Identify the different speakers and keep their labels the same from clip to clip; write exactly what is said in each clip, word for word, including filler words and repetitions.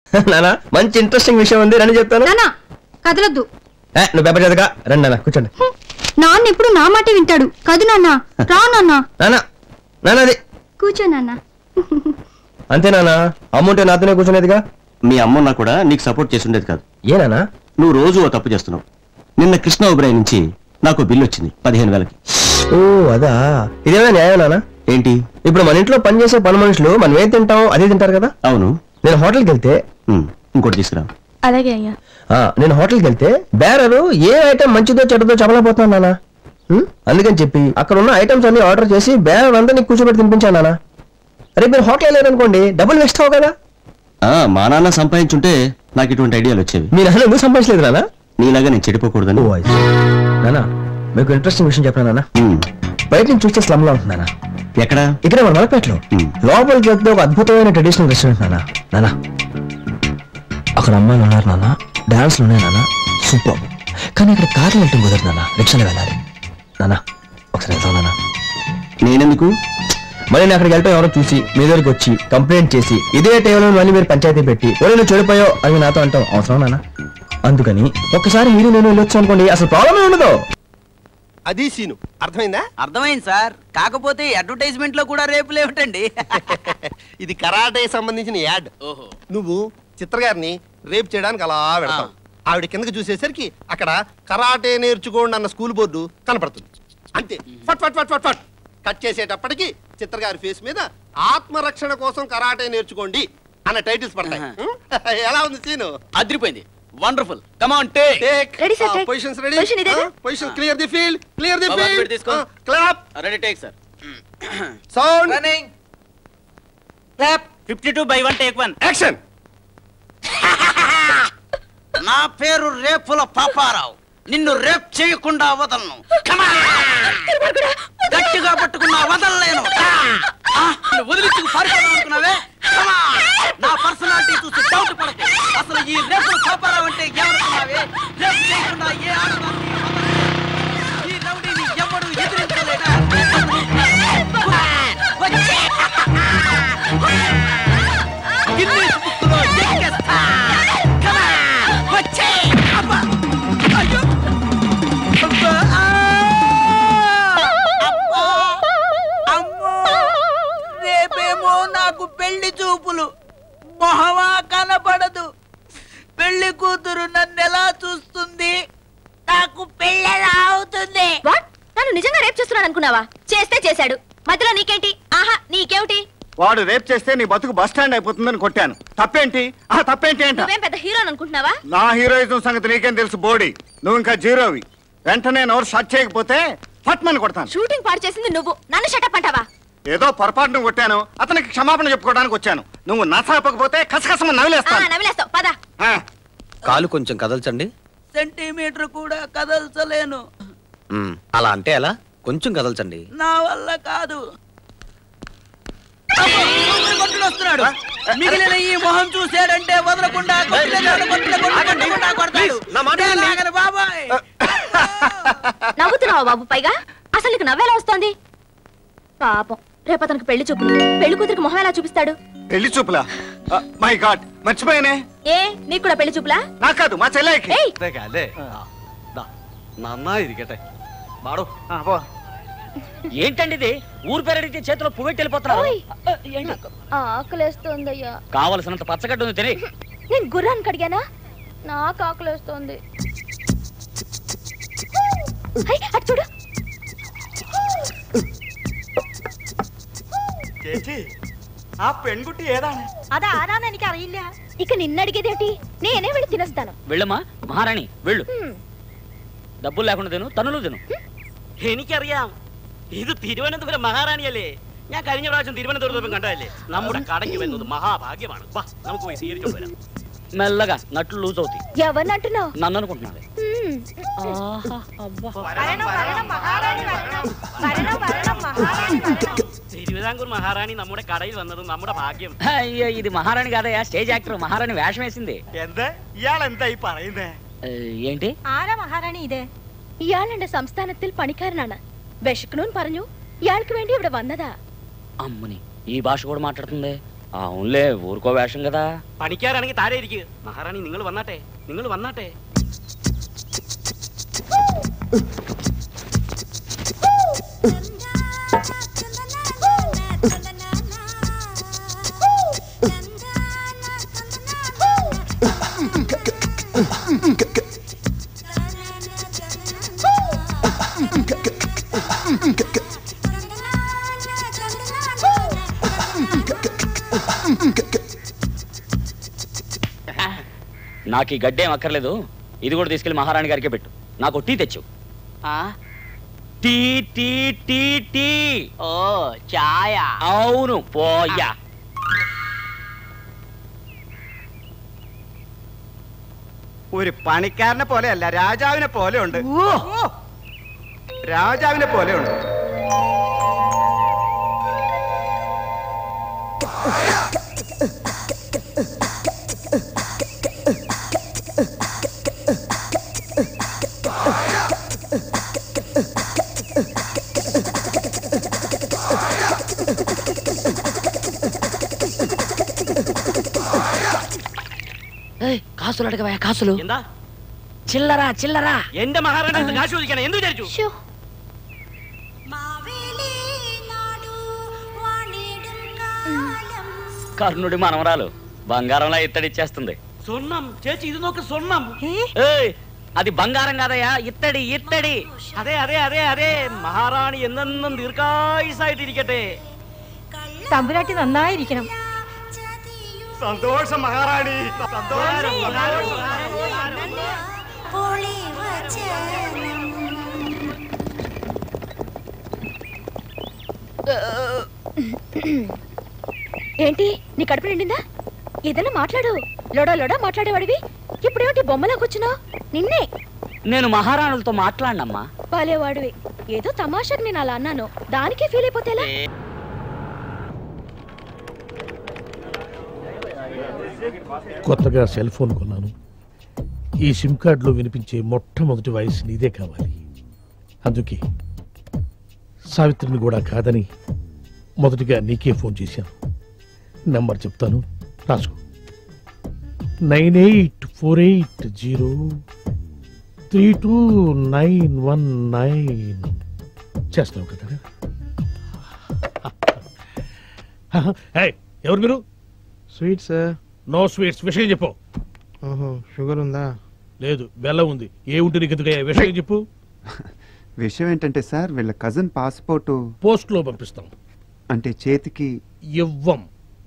Speaker 1: నానా మంచి ఇంట్రెస్టింగ్ విషయం ఉంది రండి చెప్తాను.
Speaker 2: కదలొద్దు.
Speaker 1: నువ్వు పేపర్ చదవగా రండి నాన్న కూర్చోండి.
Speaker 2: నాన్న ఎప్పుడు నా మాట వింటాడు. కదు నాన్న. రా నాన్న.
Speaker 1: నానా నానా అది
Speaker 2: కూర్చో నాన్న.
Speaker 1: అంతే నానా అమ్ముంటే నాతోనే కూర్చునేదిగా.
Speaker 3: మీ అమ్మ కూడా నీకు సపోర్ట్ చేసి ఉండేది కాదు.
Speaker 1: ఏనా
Speaker 3: నువ్వు రోజు ఓ తప్పు చేస్తున్నావు. నిన్న కృష్ణ ఉబ్రాయి నుంచి నాకు బిల్లు వచ్చింది పదిహేను వేలకి.
Speaker 1: ఓ అదా ఇదేమైనా న్యాయం నానా?
Speaker 3: ఏంటి?
Speaker 1: ఇప్పుడు మన ఇంట్లో పని చేసే పని మనుషులు మనం ఏం తింటాం అదే తింటారు కదా.
Speaker 3: అవును.
Speaker 1: నేను హోటల్కి వెళ్తే
Speaker 3: ఇంకోటి తీసుకురా.
Speaker 2: అలాగే అయ్యా.
Speaker 1: నేను హోటల్కి వెళ్తే బేరరు ఏ ఐటమ్ మంచిదో చెడ్డదో చెప్పలేకపోతున్నాను నానా. అందుకని చెప్పి అక్కడ ఉన్న ఐటమ్స్ అన్ని ఆర్డర్ చేసి బేరర్ అంతా నీకు కూర్చోబెట్టి తినిపించాను నానా. రేపు మీరు హోటల్ వెళ్ళారనుకోండి డబ్బులు వేస్ట్ అవ్వ కదా.
Speaker 3: మా నాన్న సంపాదించుంటే నాకు ఇటువంటి ఐడియాలు వచ్చేవి.
Speaker 1: మీ నాన్న ఎందుకు సంపాదించలేదు నానా?
Speaker 3: నీలాగా నేను చెడిపోకూడదని.
Speaker 1: నానా మీకు ఇంట్రెస్టింగ్ విషయం చెప్పనా నాన్న? బయట నుంచి చూస్తే స్లమ్ లా ఉంటుంది నాన్న.
Speaker 3: ఎక్కడ?
Speaker 1: ఇక్కడ మన మలపేటలో లోపలికి వెళ్తే ఒక అద్భుతమైన ట్రెడిషనల్ రెస్టారెంట్ నాన్న. నానా అక్కడ అమ్మాయిలు ఉన్నారు నాన్న, డాన్స్లు ఉన్నాయి నాన్న, సూపర్. కానీ ఇక్కడ కార్లు వెళ్ళటం కుదరదు నాన్న, రిక్షాలో వెళ్ళాలి నాన్న. ఒకసారి వెళ్తాం నాన్న.
Speaker 3: నేనెందుకు?
Speaker 1: మరి నేను అక్కడికి వెళ్ళటం ఎవరో చూసి మీ దగ్గరికి వచ్చి కంప్లైంట్ చేసి ఇదే టైంలో మళ్ళీ మీరు పంచాయతీ పెట్టి ఒరే నువ్వు చెడిపోయావు అని నాతో అంటాం అవసరం నాన్న. అందుకని ఒక్కసారి మీరు నేను వెళ్ళొచ్చు అనుకోండి, అసలు ప్రాబ్లమే ఉండదు.
Speaker 4: అది సీను అర్థమైందా?
Speaker 5: అర్థమైంది సార్. కాకపోతే అడ్వర్టైజ్మెంట్ లో కూడా రేపులు ఏమిటండి?
Speaker 4: ఇది కరాటే సంబంధించిన యాడ్. ఓహో. నువ్వు చిత్రగారిని రేపు చేయడానికి అలా వెళ్తావు. ఆవిడ కిందకి చూసేసరికి అక్కడ కరాటే నేర్చుకోండి అన్న స్కూల్ బోర్డు కనపడుతుంది. అంతే. ఫట్ ఫట్ ఫట్ ఫట్ ఫట్ కట్ చేసేటప్పటికి చిత్రగారి ఫేస్ మీద ఆత్మరక్షణ కోసం కరాటే నేర్చుకోండి అన్న టైటిల్స్ పడతాయి. ఎలా ఉంది సీను?
Speaker 5: అదిరిపోయింది. Wonderful. Come on take.
Speaker 2: Ready sir. Take.
Speaker 4: Positions ready.
Speaker 2: Position ఇదేగా.
Speaker 4: Position clear the field. Clear the
Speaker 5: బాబా,
Speaker 4: ఫీల్డ్.
Speaker 5: అటు తీసుకో.
Speaker 4: Clap.
Speaker 5: Ready take sir.
Speaker 4: Sound.
Speaker 5: Running. Clap. Fifty two by one take one.
Speaker 4: Action.
Speaker 5: నా పేరు రేపుల పాపారావు. నిన్ను rape చేయకుండా వదలను. గట్టిగా పట్టుకున్నా వదలలేను. వదిలించుకు పారిపోవాలనుకున్నావే. నా పర్సనాలిటీ చూసి డౌట్ పడకు. అసలు ఈ రేపుల పాపారావు అంటే ఏమనుకున్నావే? రేప్ చేయకుండా ఏ ఆడదాన్ని వదలలేదు. ఈ రౌడీని ఎవడు ఎదిరించలేడా? గిన్నీస్ బుక్కులో ఎక్కేస్తా. రేపేమో నాకు పెళ్లి చూపులు. మొహమా కనపడదు. పెళ్లి కూతురు నన్ను ఎలా చూస్తుంది? నాకు పెళ్లి అవుతుంది.
Speaker 2: నన్ను నిజంగా రేప్ చేస్తున్నాను అనుకున్నావా? చేస్తే చేశాడు, మధ్యలో నీకేంటి? ఆహా నీకేమిటి?
Speaker 6: వాడు రేప్ చేస్తే నీ బతుకు బస్ స్టాండ్ అయిపోతుందని కొట్టాను. తప్పేంటి? ఆ తప్పేంటి అంట.
Speaker 2: నువ్వేం పెద్ద హీరో అనుకుంటున్నావా?
Speaker 6: నా హీరోయిజం సంగతి నీకేం తెలుసు బోడీ. నువ్వు ఇంకా జీరోవి. వెంటనే నోరు షట్ చేయకపోతే ఫట్మని కొడతాను.
Speaker 2: షూటింగ్ పాడు చేసింది నువ్వు, నన్ను షటప్ అంటావా?
Speaker 6: ఏదో పొరపాటును కొట్టాను, అతనికి క్షమాపణ చెప్పుకోవడానికి వచ్చాను. నువ్వు నసాపకపోతే కసకసమ నవిలేస్తాను.
Speaker 2: నవిలేస్తావు పద.
Speaker 7: కాలు కొంచెం కదల్చండి.
Speaker 5: సెంటీమీటర్ కూడా కదల్చలేను.
Speaker 7: అలా అంటే ఎలా? కొంచెం కదల్చండి.
Speaker 5: నా వల్ల కాదు. వస్తున్నాడు. మిగిలిన ఈ మొహం చూసాడంటే వదలకుండా బాబాయ్.
Speaker 2: నవ్వుతున్నావా బాబు? పైగా అసలు నీకు నవ్వేలా వస్తోంది? పాపం రేపు అతనికి పెళ్లి చూపులు. పెళ్లి కూతురికి మొహం ఎలా చూపిస్తాడు?
Speaker 6: పెళ్లి చూపులా? My God మర్చిపోయానే.
Speaker 2: ఏ నీకు కూడా పెళ్లి చూపులా?
Speaker 6: నాకు కాదు, మా చెల్లెకి.
Speaker 5: ఏంటండి ఇది? ఊరు పేరడితే చేతిలో పువ్వెట్టి వెళ్ళిపోతున్నారు.
Speaker 2: ఆకలేస్తోందయ్యా.
Speaker 5: కావలసినంత పచ్చగడ్డ ఉంది తిని.
Speaker 2: నేను గుర్రాన్ని కడిగానా? నాకు ఆకలేస్తోంది. అటు చూడు.
Speaker 6: ఆ పెൺగుట్టి ఏదానే?
Speaker 2: అదా ఆరానా నీకు అరియిల్లా? ఇక నిన్ను అడిగేదేంటి? నేనే వెళ్ళి తినేస్తాను.
Speaker 5: వెళ్ళమ్మా మహారాణి వెళ్ళు. డబ్బులు లేకుండా తిను, തന്നുలు തിന്നു. എനിക്കറിയാം ഇത് തിരുവനന്തപുരം മഹാറാണിയല്ലേ. ഞാൻ കഴിഞ്ഞ പ്രാവശ്യം തിരുവനന്തപുരത്ത് കണ്ടതല്ലേ. നമ്മുടെ കടയ്ക്ക് വരുന്നത് മഹാഭാഗ്യമാണ്. വാ നമുക്ക് പോയി സ്വീകരിച്ചു വരാം. మెల్లగా నట్లు లూజ్ అవుతాయి.
Speaker 2: ఎవరిని అంటున్నావు?
Speaker 5: నన్ను అనుకుంటున్నాను. తిరువిదాంకూర్ మహారాణి നമ്മുടെ కడയിൽ വന്നത് നമ്മുടെ భాగ్యం. అయ్యో ఇది మహారాణి కాదయ్యా, స్టేజ్ యాక్టర్. మహారాణి వేషం వేసింది.
Speaker 6: ఎంత ఇయాళెంత ఈ പറയുന്നേ?
Speaker 5: ఏంటి?
Speaker 2: ആരാ മഹാറാണി ഇത്? ഇയാളുടെ സംസ്ഥാനത്തിൽ പണിക്കാരനാണ്. വിശക്കണമെന്ന് പറഞ്ഞു ഇയാൾക്ക് വേണ്ടി ഇവിടെ വന്നതാ.
Speaker 5: అమ్మని ఈ భాష కూడా మాట్లాడుతుంది.
Speaker 8: అవునులే ఊరుకో వేషం కదా.
Speaker 5: പണിക്കാരാണെങ്കിൽ താഴെ ഇരിക്കുക. മഹാറാണി നിങ്ങൾ വന്നാട്ടെ, നിങ്ങൾ വന്നാട്ടെ.
Speaker 8: నాకు ఈ గడ్డేం అక్కర్లేదు, ఇది కూడా తీసుకెళ్లి మహారాణి గారికే పెట్టు. నాకు టీ తెచ్చు. Tea tea tea tea.
Speaker 5: ഓ ചായ.
Speaker 8: అవును పోయా.
Speaker 5: ഒരു പണിക്കാരനെ പോലെയല്ല, രാജാവിനെ പോലെ ഉണ്ട്. രാജാവിനെ പോലെ ഉണ്ട്.
Speaker 8: కాసులు అడగవా? కాసులు
Speaker 5: എന്താ?
Speaker 8: చిల్లరా చిల్లరా.
Speaker 5: എന്റെ മഹാറാണി കാശ് ചോദിക്കണം. എന്ത് വിചാരിച്ചു?
Speaker 8: కర్ణుడి మనవరాలు బంగారంలా ఇత్తడిచ్చేస్తుంది.
Speaker 5: സ്വർണം ചേച്ചി, ഇത് നോക്ക്, സ്വർണം.
Speaker 8: ఏయ్, అది బంగారం కాదయ్యా, ఇత్తడి ఇత్తడి.
Speaker 5: അതെ അതെ അതെ അതെ മഹാറാണി എന്നെന്നും ദീർഘായുസായിട്ടിരിക്കട്ടെ.
Speaker 2: തമ്പുരാട്ടി നന്നായിരിക്കണം.
Speaker 5: സന്തോഷം മഹാറാണി, സന്തോഷം.
Speaker 2: ఏంటి నీ కడుపు నిండిందా? ఏదైనా మాట్లాడు. లోడా లోడా మాట్లాడేవాడివి ఇప్పుడేమిటి బొమ్మలాకొచ్చినావు? నిన్నే.
Speaker 8: నేను మహారాణులతో మాట్లాడినమ్మా.
Speaker 2: బాలేవాడివి. ఏదో తమాషాకి నేను అలా అన్నాను, దానికే ఫీల్ అయిపోతేలా?
Speaker 9: కొత్తగా సెల్ ఫోన్ కొన్నాను. ఈ సిమ్ కార్డులో వినిపించే మొట్టమొదటి వాయిస్ నీదే కావాలి. అందుకే సావిత్రిని కూడా కాదని మొదటిగా నీకే ఫోన్ చేశాను. నెంబర్ చెప్తాను, రాసుకో. Nine eight four eight zero three two nine one nine. చేస్తావు కదా? ఎవరు మీరు?
Speaker 10: Sweet sir.
Speaker 9: No sweets. విషయం చెప్పు.
Speaker 10: ఓహో, షుగర్ ఉందా?
Speaker 9: లేదు, బెల్లం ఉంది. ఏ ఉంటుంది ఎందుకయ్యా? విషయం చెప్పు.
Speaker 11: విషయం ఏంటంటే సార్, వీళ్ళ కజిన్ పాస్పోర్టు
Speaker 9: పోస్ట్ లో పంపిస్తాం.
Speaker 11: అంటే చేతికి
Speaker 9: ఇవ్వం.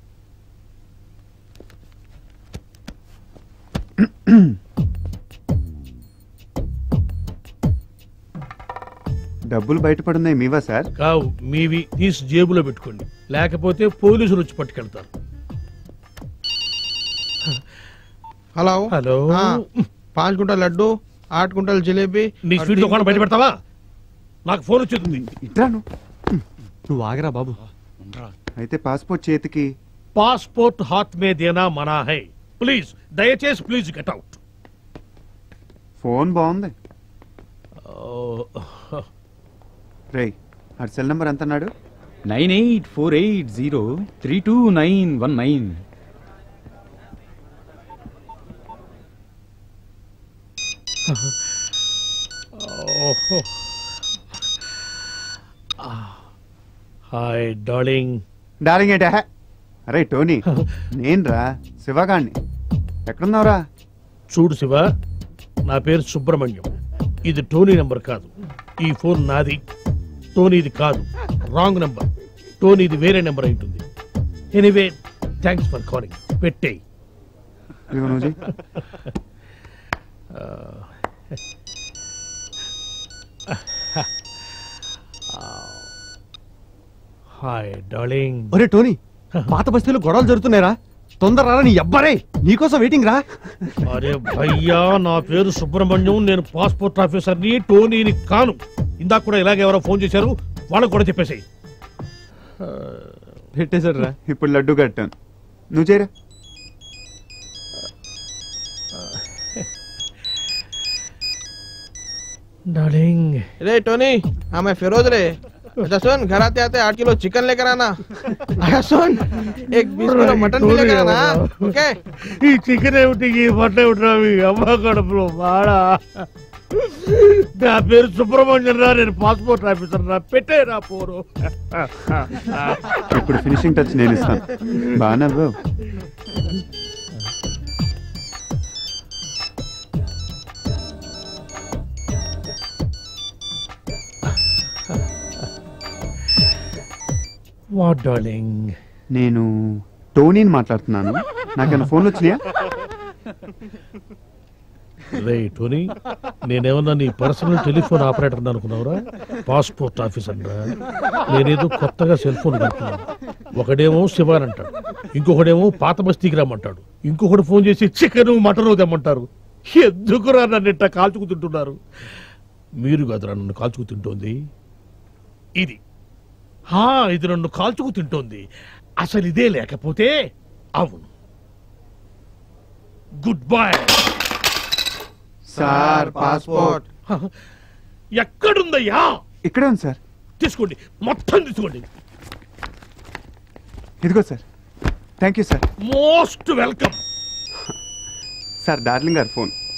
Speaker 11: డబ్బులు బయటపడున్నాయి మీవా సార్?
Speaker 9: కావు, మీవి. తీసి జేబులో పెట్టుకోండి, లేకపోతే పోలీసులు వచ్చి పట్టుకెళ్తారు.
Speaker 10: Hello
Speaker 9: hello.
Speaker 10: పాంచ్ కుంటల్ లడ్డు, ఆठ కుంటల్ జిలేబీ.
Speaker 9: నీ స్వీట్ దుకాణం బయట పెడతావా? నాకు ఫోన్ వచ్చేది.
Speaker 11: ఇట్రాను.
Speaker 3: నువ్వు ఆగరా బాబు.
Speaker 11: అయితే పాస్పోర్ట్ చేతికి.
Speaker 9: పాస్పోర్ట్ హాత్ మే దేనా మనా హై. ప్లీజ్, దయచేసి ప్లీజ్ గెట్ అవుట్.
Speaker 11: ఫోన్ బాగుంది. రేయ్, ఆ సెల్ నెంబర్ ఎంత అన్నాడు?
Speaker 12: Nine eight four eight zero three two nine one nine.
Speaker 9: Hi darling.
Speaker 11: Darling ఏంటా? అరే టోనీ, నేను రా శివగాణ్ణి. ఎక్కడున్నావురా?
Speaker 9: చూడు శివ, నా పేరు సుబ్రహ్మణ్యం. ఇది టోనీ నెంబర్ కాదు. ఈ ఫోన్ నాది, టోనీది కాదు. Wrong number. టోనీది వేరే నెంబర్ అయి ఉంటుంది. Anyway, thanks for calling. పెట్టేయ్. Hi darling.
Speaker 3: ఒరే టోనీ, పాత బస్తీలో గొడవలు జరుగుతున్నారా? తొందర రా, నీ అబ్బారే నీకోసం వెయిటింగ్ రా.
Speaker 9: అరే భయ్యా, నా పేరు సుబ్రహ్మణ్యం. నేను పాస్పోర్ట్ ఆఫీసర్ని, టోనీని కాను. ఇందాక కూడా ఇలాగే ఎవరో ఫోన్ చేశారు, వాళ్ళకు కూడా చెప్పేసాయి.
Speaker 11: పెట్టేశారు రా. ఇప్పుడు లడ్డు కట్టాను, నువ్వు చేయరా.
Speaker 9: డార్లింగ్.
Speaker 10: రే టోనీ, ఆమె ఫిరోజ్ రే. अच्छा सुन, घर आते आते आठ किलो चिकन लेकर आना। अच्छा सुन, एक बीस किलो मटन भी लेकर आना। ओके?
Speaker 9: ఈ చికెన్ ఏమిటి ఈ మటన్ ఏమిటి అమ్మ కడుపులో బాడా నా పేరు సుబ్రహ్మణ్యం రా నేను పాస్పోర్ట్ ఆఫీసర్ రా పెట్టేరా పోరు
Speaker 11: ఇప్పుడు ఫినిషింగ్ టచ్ నేను ఇస్తాను బాగా
Speaker 9: వాట్ డార్లింగ్
Speaker 11: నేను టోనీని మాట్లాడుతున్నాను నాకన్నా ఫోన్లు వచ్చినాయా
Speaker 9: రే టోనీ నేనేమన్నా నీ పర్సనల్ టెలిఫోన్ ఆపరేటర్ అనుకున్నావురా పాస్పోర్ట్ ఆఫీసర్ రా నేనేదో కొత్తగా సెల్ ఫోన్ కడుతున్నాను ఒకడేమో శివాన్ అంటాడు ఇంకొకడేమో పాత బస్తీకి రమ్మంటాడు ఇంకొకటి ఫోన్ చేసి చికెన్ మటన్ తెమ్మంటారు ఎందుకురా నన్ను ఇట్లా కాల్చుకు తింటున్నారు మీరు కదరా నన్ను కాల్చుకు తింటోంది ఇది హా ఇది నన్ను కాల్చుకు తింటోంది అసలు ఇదే లేకపోతే అవును గుడ్ బై
Speaker 11: సార్ పాస్పోర్ట్
Speaker 9: ఎక్కడుందయ్యా
Speaker 11: ఇక్కడే ఉంది సార్
Speaker 9: తీసుకోండి మొత్తం తీసుకోండి
Speaker 11: ఇదిగో sir thank you sir
Speaker 9: most welcome
Speaker 11: sir darling గారు ఫోన్